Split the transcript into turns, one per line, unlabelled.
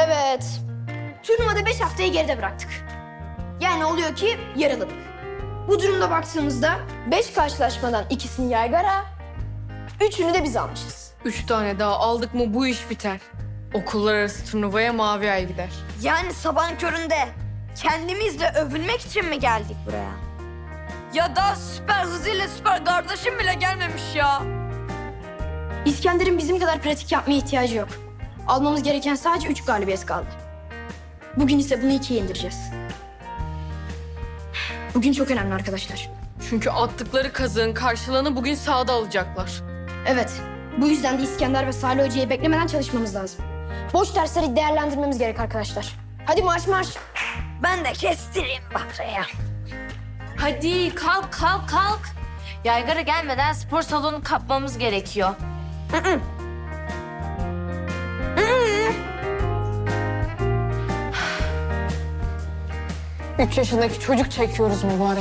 Evet. Turnuvada 5 haftayı geride bıraktık. Yani oluyor ki yarıladık. Bu durumda baktığımızda 5 karşılaşmadan 2'sini Yaygara, 3'ünü de biz almışız.
3 tane daha aldık mı bu iş biter. Okullar arası turnuvaya Mavi Ay gider.
Yani sabahın köründe kendimizle övünmek için mi geldik buraya? Ya da süper hızıyla süper kardeşim bile gelmemiş ya.
İskender'in bizim kadar pratik yapmaya ihtiyacı yok. Almamız gereken sadece 3 galibiyet kaldı. Bugün ise bunu 2'ye indireceğiz. Bugün çok önemli arkadaşlar.
Çünkü attıkları kazığın karşılığını bugün sahada alacaklar.
Evet, bu yüzden de İskender ve Salih Hoca'yı beklemeden çalışmamız lazım. Boş dersleri değerlendirmemiz gerek arkadaşlar. Hadi marş marş.
Ben de kestireyim Bahra'ya.
Hadi kalk kalk kalk. Yaygara gelmeden spor salonu kapmamız gerekiyor.
3 yaşındaki çocuk çekiyoruz mübarek.